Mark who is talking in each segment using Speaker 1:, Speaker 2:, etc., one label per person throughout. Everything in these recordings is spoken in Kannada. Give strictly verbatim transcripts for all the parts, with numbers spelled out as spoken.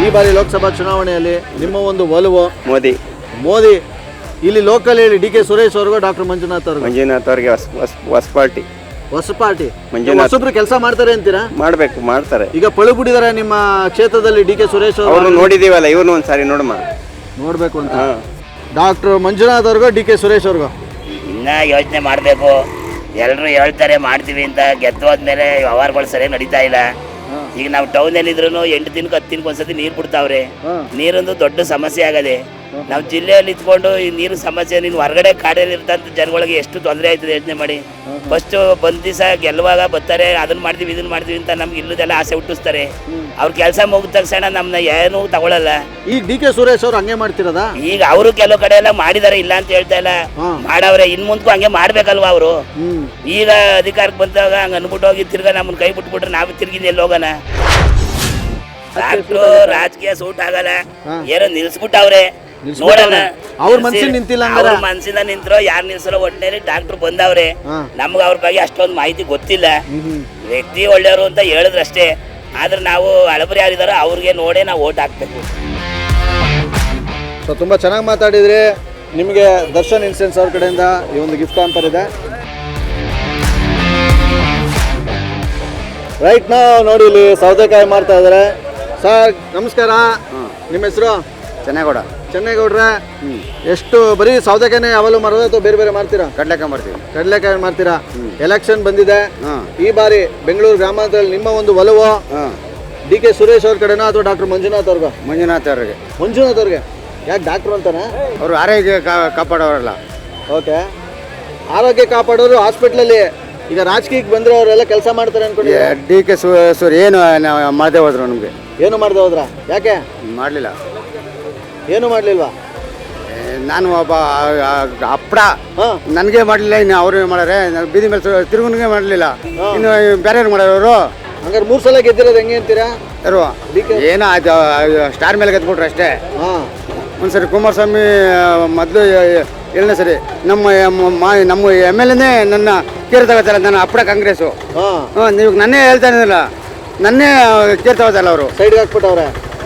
Speaker 1: ಈ ಬಾರಿ ಲೋಕಸಭಾ ಚುನಾವಣೆಯಲ್ಲಿ ನಿಮ್ಮ ಒಂದು ಒಲವು
Speaker 2: ಮೋದಿ
Speaker 1: ಮೋದಿ. ಇಲ್ಲಿ ಲೋಕಲ್ ಹೇಳಿ ಡಿ ಕೆ ಸುರೇಶ್ ಅವ್ರಿಗೂ ಡಾಕ್ಟರ್ ಮಂಜುನಾಥ್ ಅವ್ರಿಗೂ?
Speaker 2: ಮಂಜುನಾಥ್ ಅವ್ರಿಗೆ ಹೊಸ ಹೊಸ ಹೊಸ ಪಾರ್ಟಿ
Speaker 1: ಹೊಸ ಪಾರ್ಟಿ.
Speaker 2: ಮಂಜುನಾಥ್
Speaker 1: ಹೊಸಬ್ರು ಕೆಲಸ ಮಾಡ್ತಾರೆ ಅಂತೀರಾ?
Speaker 2: ಮಾಡ್ಬೇಕು, ಮಾಡ್ತಾರೆ.
Speaker 1: ಈಗ ಪಳು ಬಿಟ್ಟಿದ್ದಾರೆ ನಿಮ್ಮ ಕ್ಷೇತ್ರದಲ್ಲಿ ಡಿ ಕೆ ಸುರೇಶ್ ಅವರು?
Speaker 2: ಅವ್ರು ನೋಡಿದೀವಲ್ಲ, ಇವ್ರನ್ನ ಒಂದ್ಸಾರಿ ನೋಡಮ್ಮ,
Speaker 1: ನೋಡ್ಬೇಕು ಅಂತ. ಡಾಕ್ಟರ್ ಮಂಜುನಾಥ್ ಅವ್ರಿಗೂ ಡಿ ಕೆ ಸುರೇಶ್ ಅವ್ರಿಗೂ?
Speaker 3: ಇನ್ನ ಯೋಚನೆ ಮಾಡಬೇಕು. ಎಲ್ಲರೂ ಹೇಳ್ತಾರೆ ಮಾಡ್ತೀವಿ ಅಂತ, ಗೆದ್ದೋದ್ಮೇಲೆ ವ್ಯವಹಾರಗಳು ಸರಿಯಾಗಿ ನಡೀತಾ ಇಲ್ಲ. ಈಗ ನಾವು ಟೌನಲ್ಲಿ ಇದ್ರು ಎಂಟು ದಿನಕ್ಕೆ ಹತ್ತು ದಿನಕ್ಕೆ ಒಂದ್ಸತಿ ನೀರು ಬಿಡ್ತಾವ್ರೆ. ನೀರೊಂದು ದೊಡ್ಡ ಸಮಸ್ಯೆ ಆಗದೆ. ನಾವು ಜಿಲ್ಲೆಯಲ್ಲಿ ಇದ್ಕೊಂಡು ಈ ನೀರು ಸಮಸ್ಯೆ, ನೀನು ಹೊರಗಡೆ ಕಾಡಲ್ಲಿ ಇರ್ತಂತ ಜನಗಳಿಗೆ ಎಷ್ಟು ತೊಂದರೆ ಆಯ್ತದೆ ಯೋಚನೆ ಮಾಡಿ. ಫಸ್ಟ್ ಬಂದ ದಿವಸ ಗೆಲ್ಲುವಾಗ ಬರ್ತಾರೆ, ಅದನ್ನ ಮಾಡ್ತೀವಿ ಇದನ್ನ ಮಾಡ್ತೀವಿ ಅಂತ ನಮ್ಗೆ ಇಲ್ಲದೆಲ್ಲ ಆಸೆ ಹುಟ್ಟಿಸ್ತಾರೆ. ಅವ್ರ ಕೆಲಸ ಮುಗಿದ ತಕ್ಷಣ ನಮ್ಮನ್ನ ಏನೂ ತಗೊಳ್ಳಲ್ಲ.
Speaker 1: ಈಗ ಡಿ ಕೆ ಸುರೇಶ್ ಅವ್ರು ಹಂಗೆ ಮಾಡ್ತಿರೋದಾ?
Speaker 3: ಈಗ ಅವರು ಕೆಲವು ಕಡೆ ಎಲ್ಲ ಮಾಡಿದಾರೆ, ಇಲ್ಲ ಅಂತ ಹೇಳ್ತಾ ಇಲ್ಲ, ಮಾಡವ್ರೆ. ಇನ್ ಮುಂದಕ್ಕೂ ಹಂಗೆ ಮಾಡ್ಬೇಕಲ್ವಾ ಅವರು? ಈಗ ಅಧಿಕಾರಕ್ಕೆ ಬಂದಾಗ ಹಂಗ ಅನ್ಬಿಟ್ಟು ಹೋಗಿ ತಿರ್ಗಾ ನಮ್ಮನ್ನ ಕೈ ಬಿಟ್ಬಿಟ್ರೆ ನಾವು ತಿರ್ಗಿದ ಎಲ್ಲಿ ಹೋಗೋಣ? ಡಾಕ್ಟ್ರು ರಾಜಕೀಯ ಸೂಟ್ ಆಗಲ್ಲ, ಏನೋ ನಿಲ್ಸ್ಬಿಟ್ಟವ್ರೆ. ನೋಡೋಣ
Speaker 1: ಅವ್ರ ಮನ್ಸಿನ ನಿಂತಿಲ್ಲ,
Speaker 3: ಅವ್ರ ಮನ್ಸಿಂದ ನಿಂತ್ರೋ ಯಾರು ನಿಲ್ಸರೋ ಒಟ್ಟಿನಲ್ಲಿ ಡಾಕ್ಟ್ರು ಬಂದವ್ರೆ. ನಮ್ಗೆ ಅವ್ರ ಬಗ್ಗೆ ಅಷ್ಟೊಂದು ಮಾಹಿತಿ ಗೊತ್ತಿಲ್ಲ. ವ್ಯಕ್ತಿ ಒಳ್ಳೆಯವರು ಅಂತ ಹೇಳಿದ್ರಷ್ಟೇ. ಆದ್ರೆ ನಾವು ಹಳಬರಿ ಯಾರಿದಾರೋ ಅವ್ರಿಗೆ ನೋಡೇ ನಾವು ಓಟ್ ಹಾಕ್ಬೇಕು.
Speaker 1: ಸೊ ತುಂಬ ಚೆನ್ನಾಗಿ ಮಾತಾಡಿದ್ರಿ. ನಿಮಗೆ ದರ್ಶನ್ ಇನ್ಸೂರೆನ್ಸ್ ಅವ್ರ ಕಡೆಯಿಂದ ಈ ಒಂದು ಗಿಫ್ಟ್ ಹ್ಯಾಂಪರ್ ಇದೆ. ರೈಟ್ ನಾವು ನೋಡಿ ಇಲ್ಲಿ ಸೌತೆಕಾಯಿ ಮಾಡ್ತಾ ಇದ್ದಾರೆ. ಸರ್ ನಮಸ್ಕಾರ, ನಿಮ್ಮ ಹೆಸರು?
Speaker 2: ಚೆನ್ನಗೌಡ.
Speaker 1: ಚೆನ್ನಗೌಡ್ರೆ, ಎಷ್ಟು ಬರೀ ಸೌತೆಕಾಯಿನೇ ಯಾವಾಗಲೂ ಮಾರೋದು ಅಥವಾ ಬೇರೆ ಬೇರೆ ಮಾಡ್ತೀರಾ?
Speaker 2: ಕಡ್ಲೆಕಾಯಿ ಮಾಡ್ತೀವಿ.
Speaker 1: ಕಡಲೆಕಾಯಿ ಮಾಡ್ತೀರಾ. ಎಲೆಕ್ಷನ್ ಬಂದಿದೆ ಈ ಬಾರಿ ಬೆಂಗಳೂರು ಗ್ರಾಮಾಂತರದಲ್ಲಿ. ನಿಮ್ಮ ಒಂದು ಒಲವು ಡಿ ಕೆ ಸುರೇಶ್ ಅವ್ರ ಕಡೆನಾ ಅಥವಾ ಡಾಕ್ಟರ್ ಮಂಜುನಾಥ್ ಅವ್ರಿಗ?
Speaker 2: ಮಂಜುನಾಥ್ ಅವ್ರಿಗೆ.
Speaker 1: ಮಂಜುನಾಥ್ ಅವ್ರಿಗೆ ಯಾಕೆ ಡಾಕ್ಟ್ರು ಅಂತಾನೆ?
Speaker 2: ಅವರು ಆರೋಗ್ಯ ಕಾಪಾಡೋರಲ್ಲ.
Speaker 1: ಓಕೆ, ಆರೋಗ್ಯ ಕಾಪಾಡೋರು ಹಾಸ್ಪಿಟ್ಲಲ್ಲಿ. ಈಗ ರಾಜಕೀಯಕ್ಕೆ ಬಂದ್ರೆ ಅವರೆಲ್ಲ ಕೆಲಸ ಮಾಡ್ತಾರೆ ಅನ್ಕೊಂಡು
Speaker 2: ಡಿ ಕೆ ಸೂರ್ ಏನು ಮಾಡದೆ ಹೋದ್ರು ನಮಗೆ.
Speaker 1: ಏನು ಮಾಡ್ದೆ ಹೋದ್ರ? ಯಾಕೆ
Speaker 2: ಮಾಡಲಿಲ್ಲ?
Speaker 1: ಏನು ಮಾಡ್ಲಿಲ್ವಾ?
Speaker 2: ನಾನು ಒಬ್ಬ ಅಪ್ಪಡ, ನನಗೆ ಮಾಡಲಿಲ್ಲ, ಇನ್ನು ಅವ್ರಿಗೆ ಮಾಡಾರೆ. ಬೀದಿ ಮೇಲೆ ತಿರುಗುನಿಗೆ ಮಾಡಲಿಲ್ಲ, ಇನ್ನು ಬೇರೆಯವ್ರು ಮಾಡೋರು.
Speaker 1: ಹಂಗಾರೆ ಮೂರು ಸಲ ಗೆದ್ದಿರೋದು ಹೆಂಗೆ ಅಂತೀರಾ?
Speaker 2: ಯಾರು ಏನೋ ಅದು ಸ್ಟಾರ್ ಮೇಲೆ ಗೆದ್ಬಿಟ್ರು ಅಷ್ಟೇ. ಹಾಂ, ಒಂದ್ಸರಿ ಕುಮಾರಸ್ವಾಮಿ ಮೊದಲು ಏಳನೇ ಸರಿ ನಮ್ಮ ನಮ್ಮ ಎಮ್ ಎಲ್ ಎನೇ ನನ್ನ ಕೇರ್ ತಗೋತಾರ. ನನ್ನ ಅಪ್ಪಡ ಕಾಂಗ್ರೆಸ್ಸು. ಹಾಂ, ನೀವು ನನ್ನೇ ಹೇಳ್ತಾ ಇದ್ದಿಲ್ಲ, ನನ್ನೇ ಕೇರ್ ತಗೋತಾರಲ್ಲ ಅವರು.
Speaker 1: ಸೈಡ್ಗೆ ಹಾಕ್ಬಿಟ್ಟವ್ರೆ.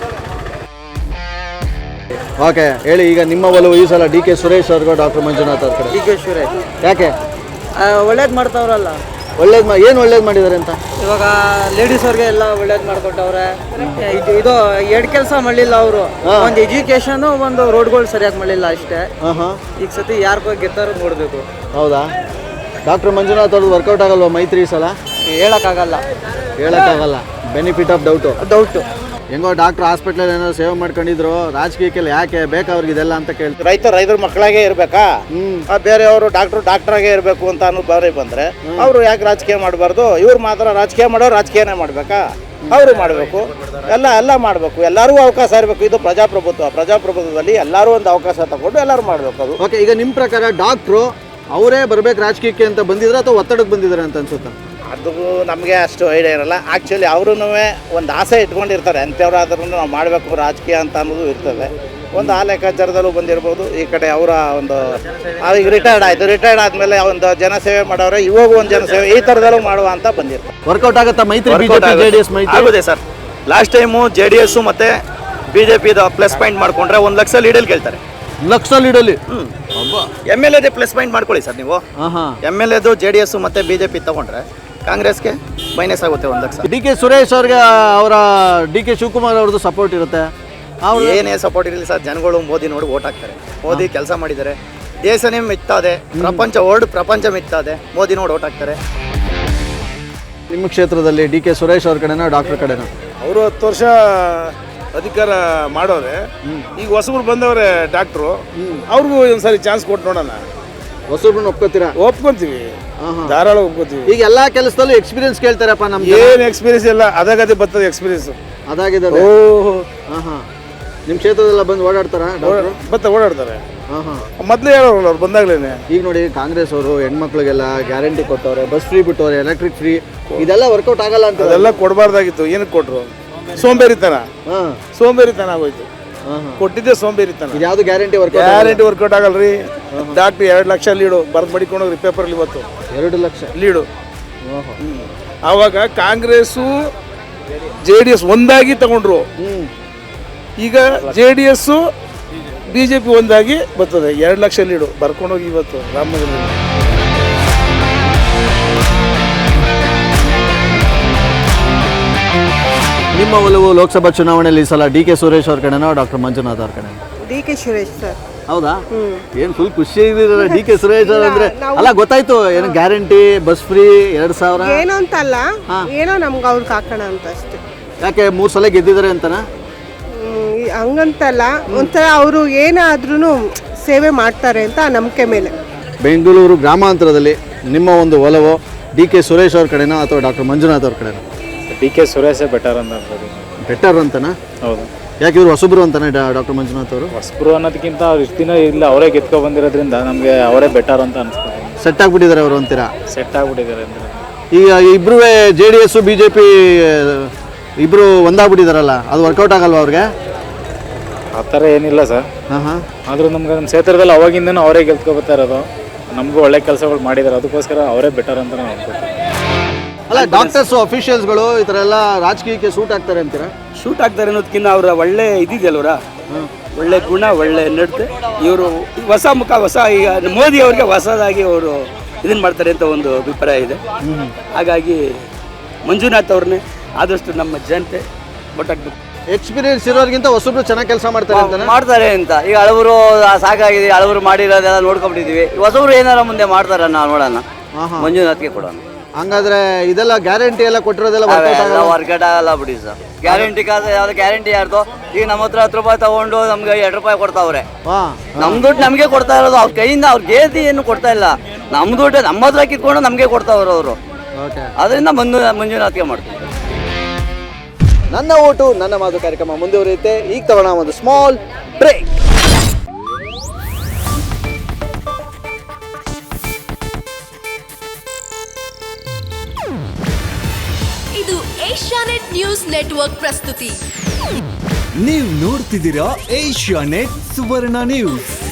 Speaker 1: ಓಕೆ ಹೇಳಿ, ಈಗ ನಿಮ್ಮ ಒಲವು ಈ ಸಲ ಡಿ ಕೆ ಸುರೇಶ್ ಅವ್ರಿಗೂ ಡಾಕ್ಟರ್ ಮಂಜುನಾಥ್ ಅವ್ರ ಕಡೆ?
Speaker 4: D K Suresh.
Speaker 1: ಯಾಕೆ?
Speaker 4: ಒಳ್ಳೇದು ಮಾಡ್ತಾವ್ರಲ್ಲ.
Speaker 1: ಒಳ್ಳೇದು ಮಾ ಏನು ಒಳ್ಳೇದು ಮಾಡಿದ್ದಾರೆ ಅಂತ?
Speaker 4: ಇವಾಗ ಲೇಡೀಸ್ ಅವ್ರಿಗೆ ಎಲ್ಲ ಒಳ್ಳೇದು ಮಾಡ್ಕೊಟ್ಟವ್ರೆ. ಇದು ಇದು ಎರಡು ಕೆಲಸ ಮಾಡಲಿಲ್ಲ ಅವರು. ಒಂದು ಎಜುಕೇಶನ್, ಒಂದು ರೋಡ್ಗಳು ಸರಿಯಾಗಿ ಮಾಡಲಿಲ್ಲ ಅಷ್ಟೇ. ಈಗ ಸತಿ ಯಾರ ಬಗ್ಗೆ ಗೆದ್ದಾರು ನೋಡಬೇಕು.
Speaker 1: ಹೌದಾ? ಡಾಕ್ಟರ್ ಮಂಜುನಾಥ್ ಅವ್ರದ್ದು ವರ್ಕೌಟ್ ಆಗಲ್ವಾ ಮೈತ್ರಿ ಈ ಸಲ?
Speaker 4: ಹೇಳೋಕ್ಕಾಗಲ್ಲ.
Speaker 1: ಹೇಳೋಕ್ಕಾಗಲ್ಲ. Benefit of doubt.
Speaker 4: ಡೌಟು.
Speaker 1: ಹೆಂಗೋ ಡಾಕ್ಟರ್ ಹಾಸ್ಪಿಟ್ಲಲ್ಲಿ ಏನೋ ಸೇವೆ ಮಾಡ್ಕೊಂಡಿದ್ರು, ರಾಜಕೀಯಕ್ಕೆಲ್ಲ ಯಾಕೆ ಬೇಕಾವ್ರಿಗೆ ಇದೆಲ್ಲ ಅಂತ ಕೇಳ್ತಾರೆ.
Speaker 5: ರೈತ ರೈತರ ಮಕ್ಕಳಾಗೆ ಇರ್ಬೇಕಾ? ಬೇರೆಯವರು ಡಾಕ್ಟರ್ ಡಾಕ್ಟರಾಗೆ ಇರಬೇಕು ಅಂತ ಅನ್ನೋ ಬಾರಿ ಬಂದ್ರೆ ಅವರು ಯಾಕೆ ರಾಜಕೀಯ ಮಾಡಬಾರ್ದು? ಇವ್ರು ಮಾತ್ರ ರಾಜಕೀಯ ಮಾಡೋರು ರಾಜಕೀಯನೇ ಮಾಡ್ಬೇಕಾ? ಅವರು ಮಾಡಬೇಕು, ಎಲ್ಲ ಎಲ್ಲ ಮಾಡಬೇಕು, ಎಲ್ಲರಿಗೂ ಅವಕಾಶ ಇರಬೇಕು. ಇದು ಪ್ರಜಾಪ್ರಭುತ್ವ. ಪ್ರಜಾಪ್ರಭುತ್ವದಲ್ಲಿ ಎಲ್ಲರೂ ಒಂದು ಅವಕಾಶ ತಗೊಂಡು ಎಲ್ಲರೂ ಮಾಡಬೇಕು. ಅದು
Speaker 1: ಓಕೆ, ಈಗ ನಿಮ್ಮ ಪ್ರಕಾರ ಡಾಕ್ಟ್ರು ಅವರೇ ಬರ್ಬೇಕು ರಾಜಕೀಯಕ್ಕೆ ಅಂತ ಬಂದಿದ್ರೆ ಅಥವಾ ಒತ್ತಡಕ್ಕೆ ಬಂದಿದ್ದಾರೆ ಅಂತ ಅನ್ಸುತ್ತಾ?
Speaker 5: ಅದು ನಮಗೆ ಅಷ್ಟು ಐಡಿಯಾ ಇರಲ್ಲ. ಆ್ಯಕ್ಚುಲಿ ಅವರು ಒಂದು ಆಸೆ ಇಟ್ಕೊಂಡಿರ್ತಾರೆ, ಅಂಥವ್ರಾದ್ರೂ ನಾವು ಮಾಡಬೇಕು ರಾಜಕೀಯ ಅಂತ ಅನ್ನೋದು ಇರ್ತದೆ. ಒಂದು ಆ ಲೆಕ್ಕಾಚಾರದಲ್ಲೂ ಬಂದಿರ್ಬೋದು. ಈ ಕಡೆ ಅವರ ಒಂದು ಈಗ ರಿಟೈರ್ಡ್ ಆಯಿತು, ರಿಟೈರ್ಡ್ ಆದಮೇಲೆ ಒಂದು ಜನಸೇವೆ ಮಾಡೋರೆ, ಇವಾಗ ಒಂದು ಜನಸೇವೆ ಈ ಥರದಲ್ಲೂ ಮಾಡುವ ಅಂತ ಬಂದಿರ್ತಾರೆ.
Speaker 1: ವರ್ಕೌಟ್ ಆಗುತ್ತಾ ಮೈತ್ರಿ ಬಿಜೆಪಿ ಜೆಡಿಎಸ್ ಮೈತ್ರಿ?
Speaker 6: ಆಗುತ್ತೆ sir. Last time J D S ಮತ್ತು B J P plus point ಮಾಡ್ಕೊಂಡ್ರೆ ಒಂದು ಲಕ್ಷ ಲೀಡಲ್ಲಿ ಗೆಲ್ತಾರೆ.
Speaker 1: ಲಕ್ಷ ಲೀಡಲ್ಲಿ
Speaker 6: ಎಮ್ ಎಲ್ ಎದೇ ಪ್ಲಸ್ ಪಾಯಿಂಟ್ ಮಾಡ್ಕೊಳ್ಳಿ ಸರ್ ನೀವು. ಎಮ್ ಎಲ್ ಎದು ಜೆ ಡಿ ಎಸ್ ಮತ್ತು ಬಿ ಜೆ ಪಿ ತೊಗೊಂಡ್ರೆ ಕಾಂಗ್ರೆಸ್ಗೆ ಮೈನಸ್ ಆಗುತ್ತೆ ಒಂದು ಲಕ್ಷ.
Speaker 1: ಡಿ ಕೆ ಸುರೇಶ್ ಅವ್ರಿಗೆ ಅವರ ಡಿ ಕೆ ಶಿವಕುಮಾರ್ ಅವ್ರದ್ದು ಸಪೋರ್ಟ್ ಇರುತ್ತೆ.
Speaker 6: ಏನೇ ಸಪೋರ್ಟ್ ಇರಲಿ ಸರ್, ಜನಗಳು ಮೋದಿ ನೋಡಿ ಓಟ್ ಹಾಕ್ತಾರೆ. ಮೋದಿ ಕೆಲಸ ಮಾಡಿದ್ದಾರೆ, ದೇಶನೇ ಮಿತ್ತಾದೆ, ಪ್ರಪಂಚ ವರ್ಲ್ಡ್ ಪ್ರಪಂಚ ಮಿತ್ತಾದೆ, ಮೋದಿ ನೋಡಿ ಓಟ್ ಹಾಕ್ತಾರೆ.
Speaker 1: ನಿಮ್ಮ ಕ್ಷೇತ್ರದಲ್ಲಿ ಡಿ ಕೆ ಸುರೇಶ್ ಅವ್ರ ಕಡೆನಾ ಡಾಕ್ಟರ್ ಕಡೆನಾ?
Speaker 7: ಅವರು ಹತ್ತು ವರ್ಷ ಅಧಿಕಾರ ಮಾಡೋರೆ. ಈಗ ಹೊಸಬ್ರು ಬಂದವ್ರೆ ಡಾಕ್ಟ್ರು, ಅವ್ರಿಗೂ ಒಂದ್ಸರಿ ಚಾನ್ಸ್ ಕೊಟ್ಟು ನೋಡೋಣ.
Speaker 1: ಹೊಸಬ್ರನ್ನ ಒಪ್ಕೋತೀರಾ?
Speaker 7: ಒಪ್ಕೊಂತೀವಿ, ಧಾರಾಳ ಒಪ್ಕೋತೀವಿ.
Speaker 1: ಈಗ ಎಲ್ಲಾ ಕೆಲಸದಲ್ಲೂ ಎಕ್ಸ್ಪೀರಿಯನ್ಸ್ ಕೇಳ್ತಾರಪ್ಪ. ನಮ್ಗೆ
Speaker 7: ಏನ್ ಎಕ್ಸ್ಪೀರಿಯನ್ಸ್ ಇಲ್ಲ, ಅದಾಗದೆ ಬರ್ತದೆ ಎಕ್ಸ್ಪೀರಿಯನ್ಸ್.
Speaker 1: ಅದಾಗಿದೆ. ನಿಮ್ಮ ಕ್ಷೇತ್ರದಲ್ಲ ಬಂದು ಓಡಾಡ್ತಾರ?
Speaker 7: ಬತ್ತ ಓಡಾಡ್ತಾರೆ. ಮೊದಲೇ ಹೇಳೋರು ಅವ್ರು ಬಂದಾಗ್ಲೇನೆ.
Speaker 1: ಈಗ ನೋಡಿ ಕಾಂಗ್ರೆಸ್ ಅವರು ಹೆಣ್ಮಕ್ಳಿಗೆಲ್ಲ ಗ್ಯಾರಂಟಿ ಕೊಟ್ಟವ್ರೆ, ಬಸ್ ಫ್ರೀ ಬಿಟ್ಟವ್ರೆ, ಎಲೆಕ್ಟ್ರಿಕ್ ಫ್ರೀ. ಇದೆಲ್ಲ ವರ್ಕೌಟ್ ಆಗಲ್ಲ ಅಂತ.
Speaker 7: ಅದೆಲ್ಲ ಕೊಡಬಾರ್ದಾಗಿತ್ತು. ಏನಕ್ಕೆ ಕೊಟ್ರು? ಸೋಂಬೇರಿತನ. ಸೋಂಬೇರಿತನ ಆಗೋಯ್ತು. ಕೊಟ್ಟಿದ್ದೆ ಸೋಂಬೇರಿತನ.
Speaker 1: ಯಾವ್ದು ಗ್ಯಾರಂಟಿ ವರ್ಕ್
Speaker 7: ಗ್ಯಾರಂಟಿ ವರ್ಕೌಟ್ ಆಗಲ್ರಿ. ಡಾಕ್ಟ್ರ್ ಎರಡು ಲಕ್ಷ ಲೀಡು ಬರ್ದು ಮಡಿಕೊಂಡೋಗ್ರಿ ಪೇಪರಲ್ಲಿ ಇವತ್ತು.
Speaker 1: ಎರಡು ಲಕ್ಷ
Speaker 7: ಲೀಡು. ಆವಾಗ ಕಾಂಗ್ರೆಸ್ಸು ಜೆ ಡಿ ಎಸ್ ಒಂದಾಗಿ ತಗೊಂಡ್ರು. ಈಗ J D S B J P ಒಂದಾಗಿ ಬರ್ತದೆ. ಎರಡು ಲಕ್ಷ ಲೀಡು ಬರ್ಕೊಂಡೋಗಿ ಇವತ್ತು ರಾಮನಗರದಲ್ಲಿ.
Speaker 1: ನಿಮ್ಮ ಒಲವು ಲೋಕಸಭಾ ಚುನಾವಣೆಯಲ್ಲಿ ಈ ಸಲ ಡಿ ಕೆ ಸುರೇಶ್ ಅವ್ರ ಕಡೆನೋ ಡಾಕ್ಟರ್ ಮಂಜುನಾಥ್ ಅವ್ರ ಕಡೆ?
Speaker 8: D K Suresh sir.
Speaker 1: ಹೌದಾ? ಏನ್ ಫುಲ್ ಖುಷಿ ಇದ್ದೀರ ಡಿ ಕೆ ಸುರೇಶ್ ಅವ್ರ ಅಂದ್ರೆ? ಅಲ್ಲ ಗೊತ್ತಾಯ್ತು, ಏನು ಗ್ಯಾರಂಟಿ ಬಸ್ ಫ್ರೀ ಎರಡ್ ಸಾವಿರ
Speaker 8: ಏನೋ ಅಂತಲ್ಲ, ಏನೋ ನಮ್ಗೆ ಅವ್ರಿಗೆ ಹಾಕೋಣ ಅಂತ ಅಷ್ಟೇ.
Speaker 1: ಯಾಕೆ ಮೂರ್ ಸಲ ಗೆದ್ದಿದ್ದಾರೆ ಅಂತನಾ?
Speaker 8: ಹ್ಮ್, ಹಂಗಂತಲ್ಲ, ಒಂಥರ ಅವರು ಏನಾದ್ರೂ ಸೇವೆ ಮಾಡ್ತಾರೆ ಅಂತ ಆ ನಂಬಿಕೆ ಮೇಲೆ.
Speaker 1: ಬೆಂಗಳೂರು ಗ್ರಾಮಾಂತರದಲ್ಲಿ ನಿಮ್ಮ ಒಂದು ಒಲವು ಡಿ ಕೆ ಸುರೇಶ್ ಅವ್ರ ಕಡೆನೋ ಅಥವಾ ಡಾಕ್ಟರ್ ಮಂಜುನಾಥ್ ಅವ್ರ ಕಡೆನೋ?
Speaker 9: ಡಿ ಕೆ ಸುರೇಶೇ ಬೆಟರ್ ಅಂತ ಅನ್ಬೋದು.
Speaker 1: ಬೆಟರ್ ಅಂತನಾ?
Speaker 9: ಹೌದು.
Speaker 1: ಯಾಕೆ ಇವರು ಹೊಸಬ್ರು ಅಂತಾನೆ ಡಾಕ್ಟರ್ ಮಂಜುನಾಥ್ ಅವರು?
Speaker 9: ಹೊಸಬ್ರು ಅನ್ನೋದಕ್ಕಿಂತ ಅವ್ರು ಇಷ್ಟು ದಿನ ಇಲ್ಲ ಅವರೇ ಗೆದ್ಕೊ ಬಂದಿರೋದ್ರಿಂದ ನಮಗೆ ಅವರೇ ಬೆಟರ್ ಅಂತ ಅನ್ಸ್ತಾರೆ.
Speaker 1: ಸೆಟ್ ಆಗ್ಬಿಟ್ಟಿದ್ದಾರೆ ಅವರು ಅಂತೀರಾ?
Speaker 9: ಸೆಟ್ ಆಗ್ಬಿಟ್ಟಿದ್ದಾರೆ ಅಂದರೆ
Speaker 1: ಈಗ ಇಬ್ರು J D S B J P ಇಬ್ರು ಒಂದಾಗ್ಬಿಟ್ಟಿದಾರಲ್ಲ, ಅದು ವರ್ಕೌಟ್ ಆಗಲ್ವಾ ಅವ್ರಿಗೆ?
Speaker 9: ಆ ಥರ ಏನಿಲ್ಲ ಸರ್.
Speaker 1: ಹಾಂ ಹಾಂ.
Speaker 9: ಆದರೂ ನಮ್ಗೆ ನಮ್ಮ ಕ್ಷೇತ್ರದಲ್ಲಿ ಅವಾಗಿಂದನೂ ಅವರೇ ಗೆದ್ಕೊ ಬರ್ತಾ ಇರೋದು. ನಮಗೂ ಒಳ್ಳೆ ಕೆಲಸಗಳು ಮಾಡಿದ್ದಾರೆ, ಅದಕ್ಕೋಸ್ಕರ ಅವರೇ ಬೆಟರ್ ಅಂತ ನಾವು ಅನ್ಕೊಳ್ತೀವಿ.
Speaker 1: ಅಲ್ಲ, ಡಾಕ್ಟರ್ಸ್ ಅಫಿಷಿಯಲ್ಸ್ಗಳು ಈ ಥರ ಎಲ್ಲ ರಾಜಕೀಯಕ್ಕೆ ಸೂಟ್ ಆಗ್ತಾರೆ ಅಂತೀರಾ?
Speaker 10: ಶೂಟ್ ಆಗ್ತಾರೆ ಅನ್ನೋದಕ್ಕಿಂತ ಅವರ ಒಳ್ಳೆ ಇದಿದೆಯಲ್ವರ, ಒಳ್ಳೆ ಗುಣ, ಒಳ್ಳೆ ನಡತೆ. ಇವರು ಹೊಸ ಮುಖ, ಹೊಸ ಈಗ ಮೋದಿ ಅವರಿಗೆ ಹೊಸದಾಗಿ ಅವರು ಇದನ್ನು ಮಾಡ್ತಾರೆ ಅಂತ ಒಂದು ಅಭಿಪ್ರಾಯ ಇದೆ. ಹಾಗಾಗಿ ಮಂಜುನಾಥ್ ಅವ್ರನ್ನೇ ಆದಷ್ಟು ನಮ್ಮ ಜನತೆ ಒಟ್ಟಾಗ್ಬೇಕು.
Speaker 1: ಎಕ್ಸ್ಪೀರಿಯನ್ಸ್ ಇರೋರಿಗಿಂತ ಹೊಸಬ್ರು ಚೆನ್ನಾಗಿ ಕೆಲಸ ಮಾಡ್ತಾರೆ ಅಂತ
Speaker 4: ಮಾಡ್ತಾರೆ ಅಂತ. ಈಗ ಹಳಬರು ಸಾಕಾಗಿದೆ, ಹಳಬರು ಮಾಡಿರೋದೆಲ್ಲ ನೋಡ್ಕೊಂಡ್ಬಿಟ್ಟಿದೀವಿ. ಹೊಸಬ್ರು ಏನಾರ ಮುಂದೆ ಮಾಡ್ತಾರ ನಾವು ನೋಡೋಣ, ಮಂಜುನಾಥ್ಗೆ ಕೊಡೋಣ.
Speaker 1: ಹಂಗಾದ್ರೆ ಇದೆಲ್ಲ ಗ್ಯಾರಂಟಿ ಎಲ್ಲ ಕೊಟ್ಟಿರೋದೆಲ್ಲ
Speaker 4: ವರ್ಕೌಟ್ ಆಗಲ್ಲ ಬಿಡಿ ಸರ್. ಗ್ಯಾರಂಟಿ ಕಾಸು ಯಾವ್ದು ಗ್ಯಾರಂಟಿ ಯಾರ್ದು? ಈಗ ನಮ್ಮ ಹತ್ರ ಹತ್ತು ರೂಪಾಯಿ ತಗೊಂಡು ನಮ್ಗೆ ಎರಡು ರೂಪಾಯಿ ಕೊಡ್ತಾವ್ರೆ. ನಮ್ ದುಡ್ಡು ನಮಗೆ ಕೊಡ್ತಾ ಇರೋದು, ಅವ್ರ ಕೈಯಿಂದ ಅವ್ರ ಗೇದಿ ಏನು ಕೊಡ್ತಾ ಇಲ್ಲ. ನಮ್ ದುಡ್ಡು ನಮ್ಮ ಹತ್ರ ಕಿತ್ಕೊಂಡು ನಮಗೆ ಕೊಡ್ತಾವ್ರು ಅವರು. ಅದರಿಂದ ಮಂಜು ಮಂಜುನಾಥ್ಗೆ ಮಾಡ್ತಾರೆ.
Speaker 1: ನನ್ನ ಓಟು ನನ್ನ ಮಾತು ಕಾರ್ಯಕ್ರಮ ಮುಂದುವರಿಯುತ್ತೆ. ಈಗ ತಗೋಣ ಒಂದು ಸ್ಮಾಲ್ ಬ್ರೇಕ್.
Speaker 11: ಇದು ಏಷ್ಯಾನೆಟ್ ನ್ಯೂಸ್ ನೆಟ್ವರ್ಕ್ ಪ್ರಸ್ತುತಿ.
Speaker 12: ನೀವು ನೋಡ್ತಿದ್ದೀರಾ ಏಷ್ಯಾನೆಟ್ ಸುವರ್ಣ ನ್ಯೂಸ್.